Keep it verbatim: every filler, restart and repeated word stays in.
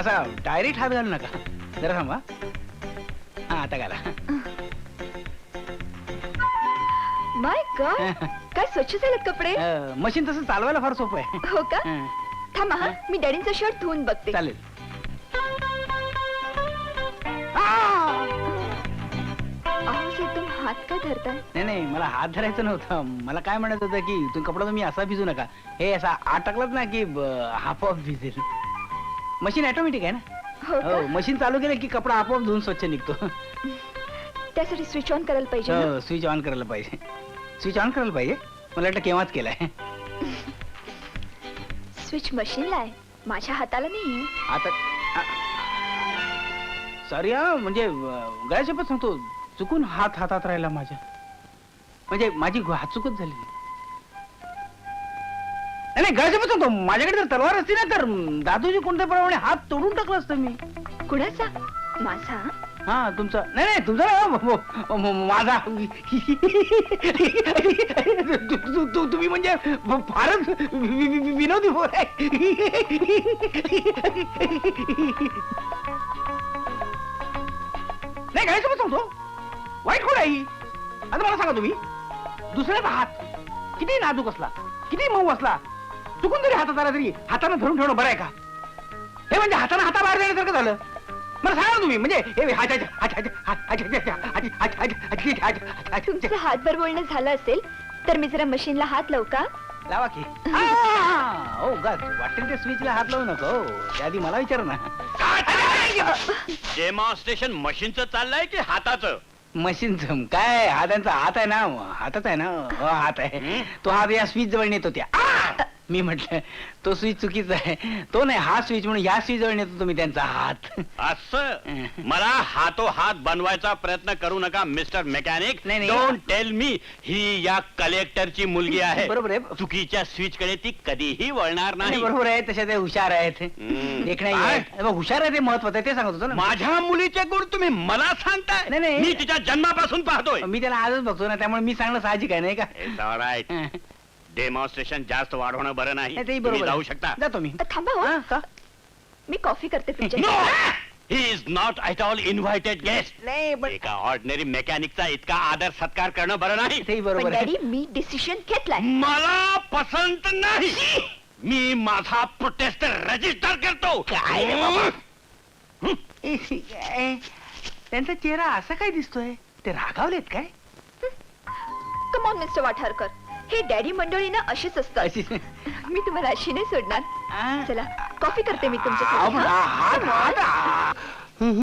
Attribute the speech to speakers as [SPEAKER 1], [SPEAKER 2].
[SPEAKER 1] असा डायरेक्ट हात घालू नका, जरा थांबा. हा आता घाला.
[SPEAKER 2] माय गॉड, काय स्वच्छ झालेत कपडे.
[SPEAKER 1] मशीन तसं चालवायला फार सोपं आहे.
[SPEAKER 2] हो का?
[SPEAKER 1] हं,
[SPEAKER 2] थांबा हा, मी डॅडींचा शर्ट धुवून बघते.
[SPEAKER 1] चालेल.
[SPEAKER 2] अहो एकदम हात का धरताय?
[SPEAKER 1] नाही नाही, मला हात धरायचं नव्हतं. मला काय म्हणत होतं की तुम्ही कपडा तुम्ही असा भिजू नका, हे असा आत टाकलात ना की आपोआप भिजेल. मशीन ऑटोमॅटिक आहे ना.
[SPEAKER 2] हो
[SPEAKER 1] हो,
[SPEAKER 2] का?
[SPEAKER 1] मशीन चालू केलं की कपडा आपोआप धुवून स्वच्छ निघतो.
[SPEAKER 2] त्यासाठी स्विच ऑन करायला पाहिजे ना?
[SPEAKER 1] हो, स्विच ऑन करायला पाहिजे. स्विच ऑन करायला पाहिजे. मला वाटतं केव्हाच केलाय.
[SPEAKER 2] स्विच मशीनला आहे, माझ्या हाताला नाहीये.
[SPEAKER 1] आता सॉरी हा, म्हणजे गळ्याशपथ सांगतो, चुकून हात हातात राहिला माझ्या. म्हणजे माझी हातचुकच झाली. नाही नाही, गळ्याशपथ सांगतो, माझ्याकडे जर तलवार असती ना तर दादूजी कोणत्या प्रमाणे हात तोडून टाकला असतं मी.
[SPEAKER 2] कुणाचा? माझा?
[SPEAKER 1] हा तुमचा नाही नाही, तुमचा नाही, म- म- म- माझा. तु- तु- तु- तुम्ही म्हणजे फारच वि- वि- वि- विनोदी बोल आहे. नाही घ्यायचं पण सांगतो, वाईट कोण आहे ही? आता मला सांगा तुम्ही, दुसऱ्याचा हात किती नाजूक असला, किती मऊ असला, चुकून जरी हातात आला तरी हाताने धरून ठेवणं बरं आहे का? हे म्हणजे हाताने हाताबाहेर जाण्यासारखं झालं. मला सांगा तुम्ही, म्हणजे
[SPEAKER 2] तुमचं हातभर बोलणं झालं असेल तर मी जरा मशीनला हात लावू का?
[SPEAKER 1] लावा की. हो गा, वाटेल त्या स्विचला हात लावू नका. हो, त्याआधी मला विचार ना.
[SPEAKER 3] डेमॉन्स्ट्रेशन मशीनचं चाललंय की हाताचं?
[SPEAKER 1] मशीनचं काय, हा त्यांचा हात आहे ना, हातच आहे ना. हो, हात आहे. तो हात या स्विच जवळ नेतो त्या. मी म्हटलं तो स्विच चुकीचा आहे, तो नाही हा स्विच, म्हणून या स्विच जवळ नेतो तुम्ही त्यांचा हात.
[SPEAKER 3] असं मला हातो हात बनवायचा प्रयत्न करू नका मिस्टर मेकॅनिक.
[SPEAKER 1] नाही, नाही.
[SPEAKER 3] डोंट टेल मी ही या कलेक्टरची मुलगी आहे.
[SPEAKER 1] बरोबर आहे.
[SPEAKER 3] चुकीच्या स्विच कडे ती कधीही वळणार
[SPEAKER 1] नाही,
[SPEAKER 3] नाही.
[SPEAKER 1] बरोबर आहे. तशा ते हुशार आहेत.
[SPEAKER 3] हम्म.
[SPEAKER 1] एक नाही
[SPEAKER 3] काय?
[SPEAKER 1] आहे. बघ, हुशार आहे ते महत्वाचं आहे, ते सांगत होतो ना.
[SPEAKER 3] माझ्या मुलीचे गुण तुम्ही मला सांगताय?
[SPEAKER 1] नाही, नाही.
[SPEAKER 3] मी तिच्या जन्मापासून पाहतोय.
[SPEAKER 1] मी त्याला आजच बघतो ना, त्यामुळे मी सांगणं साहजिक आहे नाही का?
[SPEAKER 3] It's all right. डेमॉन्स्ट्रेशन जास्त वाढवणं बरं नाही.
[SPEAKER 1] नाही, तेही
[SPEAKER 3] तुम्ही
[SPEAKER 1] बरोबर
[SPEAKER 3] जाऊ
[SPEAKER 1] आहे.
[SPEAKER 3] शकता.
[SPEAKER 1] जातो मी.
[SPEAKER 2] थांबा हो,
[SPEAKER 1] हा, का?
[SPEAKER 2] मी कॉफी करते तुमच्या.
[SPEAKER 3] No, he is not at all invited guest.
[SPEAKER 1] नाही पण
[SPEAKER 3] एका ऑर्डिनरी मेकॅनिकचा इतका आदर सत्कार करणं बरं नाही.
[SPEAKER 1] तेही
[SPEAKER 2] पण
[SPEAKER 1] बरोबर आहे.
[SPEAKER 2] डॅडी मी डिसिशन घेतलाय.
[SPEAKER 3] मला पसंत नाही. मी माझा प्रोटेस्ट रजिस्टर करतो.
[SPEAKER 1] काय रे बाबा? ए, ए, त्यांचा चेहरा असा काय दिसतोय? ते रागावलेत काय?
[SPEAKER 2] कम ऑन मिस्टर वाठारकर, हे डॅडी मंडळी ना अशीच असतात.
[SPEAKER 1] अशी
[SPEAKER 2] मी तुम्हाला अशी नाही सोडणार.
[SPEAKER 1] आ?
[SPEAKER 2] चला कॉफी करते मी
[SPEAKER 1] आ,
[SPEAKER 2] तुमच्यासाठी.
[SPEAKER 1] पण हा- हात हात